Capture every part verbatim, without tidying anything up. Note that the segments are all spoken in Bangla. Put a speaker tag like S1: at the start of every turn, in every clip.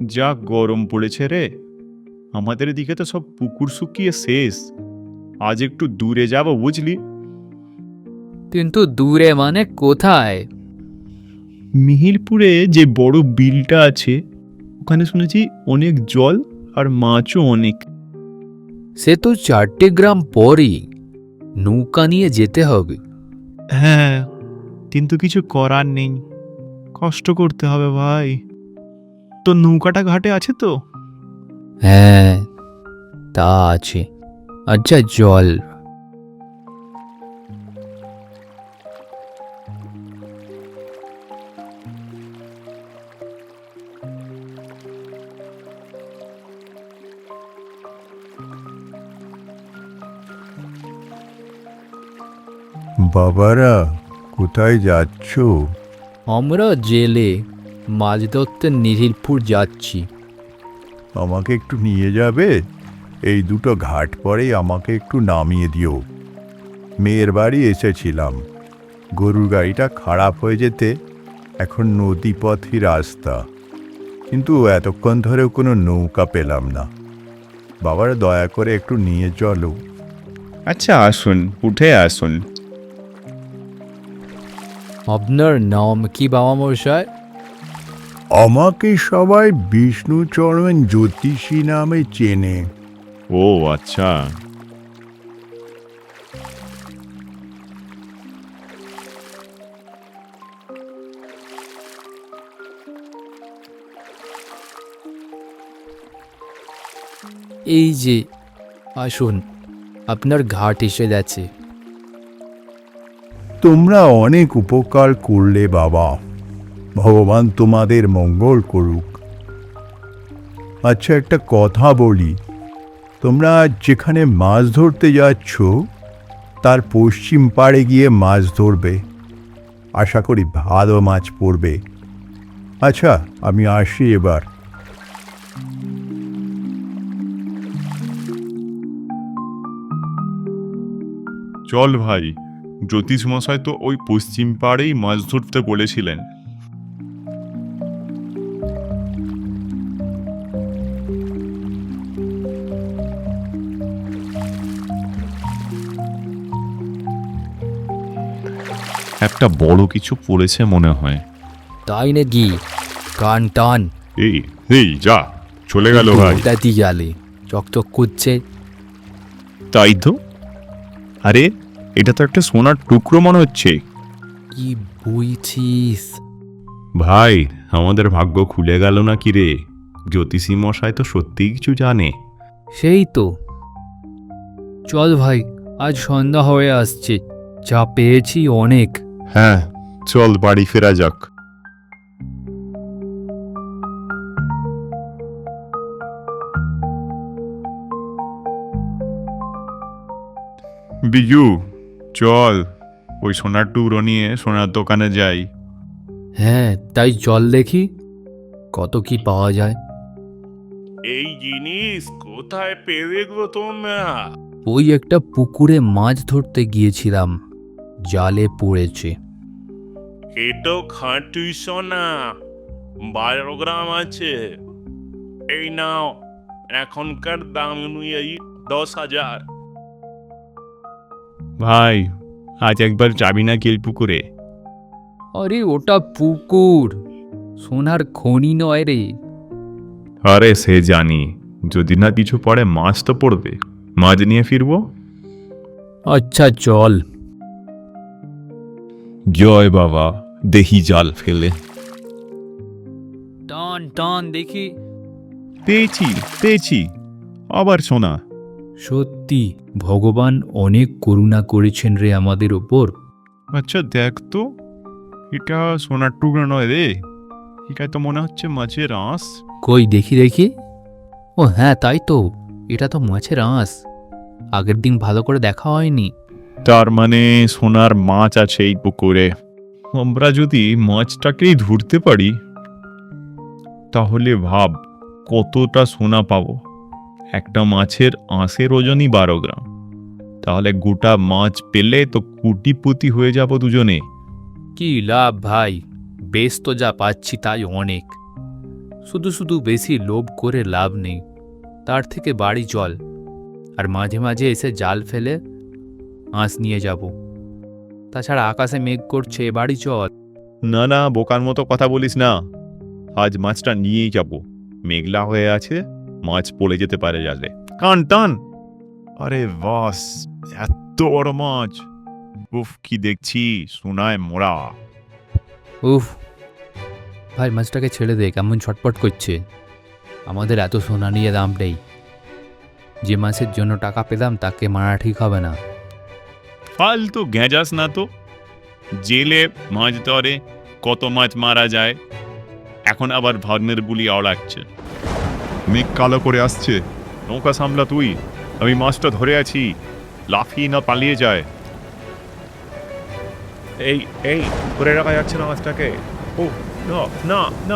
S1: যা গরম পড়েছে রে, আমাদের দিকে তো সব পুকুর শুকিয়ে শেষ। আজ একটু দূরে যাব বুঝলি।
S2: কিন্তু দূরে মানে কোথায়?
S1: মিহিরপুরে যে বড় বিলটা আছে, ওখানে শুনেছি অনেক জল আর মাছও অনেক।
S2: সে তো চারটে গ্রাম পরই, নৌকা নিয়ে যেতে হবে।
S1: হ্যাঁ, কিন্তু কিছু করার নেই, কষ্ট করতে হবে ভাই। তো নৌকাটা ঘাটে আছে তো?
S2: হ্যাঁ, তা আছে। আচ্ছা জল।
S3: বাবারা, কোথায় যাচ্ছ?
S2: আমরা জেলে মাছ ধরতে নিধিরপুর যাচ্ছি।
S3: আমাকে একটু নিয়ে যাবে? এই দুটো ঘাট পরেই আমাকে একটু নামিয়ে দিও। মেয়ের বাড়ি এসেছিলাম, গরুর গাড়িটা খারাপ হয়ে যেতে এখন নদীপথই রাস্তা, কিন্তু এতক্ষণ ধরেও কোনো নৌকা পেলাম না। বাবারা দয়া করে একটু নিয়ে চলো।
S1: আচ্ছা আসুন, উঠে আসুন।
S2: আপনার নাম কি বাবা মশাই?
S3: আমাকে সবাই বিষ্ণুচরণ জ্যোতিষী নামে চেনে।
S1: ও আচ্ছা।
S2: এই যে আসুন, আপনার ঘাট এসে গেছে।
S3: তোমরা অনেক উপকার করলে বাবা, ভগবান তোমাদের মঙ্গল করুক। আচ্ছা, একটা কথা বলি, তোমরা যেখানে মাছ ধরতে যাচ্ছ তার পশ্চিম পাড়ে গিয়ে মাছ ধরবে, আশা করি ভালো মাছ পড়বে। আচ্ছা, আমি আসি এবার।
S1: চল ভাই, জ্যোতিষ মশাই তো ওই পশ্চিম পাড়েই মাছ ধরতে বলেছিলেন। একটা বড় কিছু পড়েছে মনে হয়।
S2: তাই নাকি? কান টান।
S1: এই এই যা, চলে গেল ভাই।
S2: দাদি গেলে চকচক করছে।
S1: তাই তো। আরে, এটা তো একটা সোনার টুকরো মনে হচ্ছে।
S2: কি বইছিস?
S1: ভাই, আমাদের ভাগ্য খুলে গেল না কি রে? জ্যোতিষী মশাই তো সত্যিই কিছু জানে।
S2: সেই তো। চল ভাই, আজ সন্ধ্যা হয়ে আসছে, যা পেয়েছি অনেক।
S1: হ্যাঁ, চল বাড়ি ফেরা যাক। বিজু, চল ওই সোনার টুকরো নিয়ে সোনার দোকানে যাই।
S2: হ্যাঁ, তাই চল দেখি কত কি পাওয়া যায়।
S4: এই জিনিস কোথায় পেলে গো তোমরা?
S2: ওই একটা পুকুরে মাছ ধরতে গিয়েছিলাম, জালে পড়েছে।
S4: এটো খাঁটি সোনা, বারো গ্রাম আছে। এই নাও, এখনকার দাম অনুযায়ী দশ হাজার।
S1: ভাই, আজ একবার যাবি না গেল পুকুরে?
S2: আরে ওটা পুকুর, সোনার খনি নয় রে।
S1: আরে সে জানি, যদি না কিছু পড়ে মাছ তো পড়বে, মাছ নিয়ে ফিরবো।
S2: আচ্ছা চল।
S1: জয় বাবা, দেখি জাল ফেলে।
S2: টান টান দেখি।
S1: পেয়েছি পেয়েছি, আবার সোনা।
S2: সত্যি ভগবান অনেক করুণা করেছেন রে আমাদের ওপর।
S1: আচ্ছা দেখ তো, এটা সোনার টুকরো নয় রে, এটা তো মনে হচ্ছে মাছের আঁশ।
S2: কই দেখি দেখি। ও হ্যাঁ, তাই তো, এটা তো মাছের আঁশ। আগের দিন ভালো করে দেখা হয়নি।
S1: তার মানে সোনার মাছ আছে এই পুকুরে। আমরা যদি মাছটাকেই ধরতে পারি, তাহলে ভাব কতটা সোনা পাবো। একটা মাছের আঁশের ওজনই বারো গ্রাম, তাহলে গোটা মাছ পেলে তো কোটিপতি হয়ে যাব দুজনে।
S2: কি লাভ ভাই, বেশ তো যা পাচ্ছি তাই অনেক। শুধু শুধু বেশি লোভ করে লাভ নেই, তার থেকে বাড়ি চল, আর মাঝে মাঝে এসে জাল ফেলে আঁশ নিয়ে যাব। তাছাড়া আকাশে মেঘ করছে, বাড়ি চল।
S1: না না, বোকার মতো কথা বলিস না। আজ মাছটা নিয়েই যাব। মেঘলা হয়ে আছে, মাছ পড়ে যেতে পারে জালে। কান টান। আরে বাস, এত বড় মাছ! উফ, কি দেখছি, সোনায় মোড়া।
S2: উফ ভাই, মাছটাকে ছেড়ে দে, কেমন ছটপট করছে। আমাদের এত সোনা নিয়ে দাম নেই। যে মাছের জন্য টাকা পেলাম তাকে মারা ঠিক হবে না।
S1: ফালতু গেঁজাস না তো। জেলে মাছ ধরে কত মাছ মারা যায়, এখন আবার ধর্মের বুলি আওড়াচ্ছে। মেঘ কালো করে আসছে, নৌকা সামলা তুই। আমি মাছটা ধরে আছি, লাফিয়ে না পালিয়ে যায়। এই এই ধরে রাখা যাচ্ছে না মাছটাকে। ও না না না।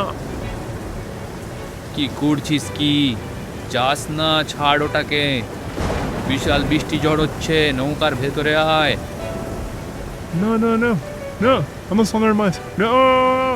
S2: কি করছিস কি? যাস না, ছাড় ওটাকে। বিশাল বৃষ্টি ঝড় হচ্ছে, নৌকার ভেতরে আয়।
S1: না না না না, আমার সোনার মাছ না।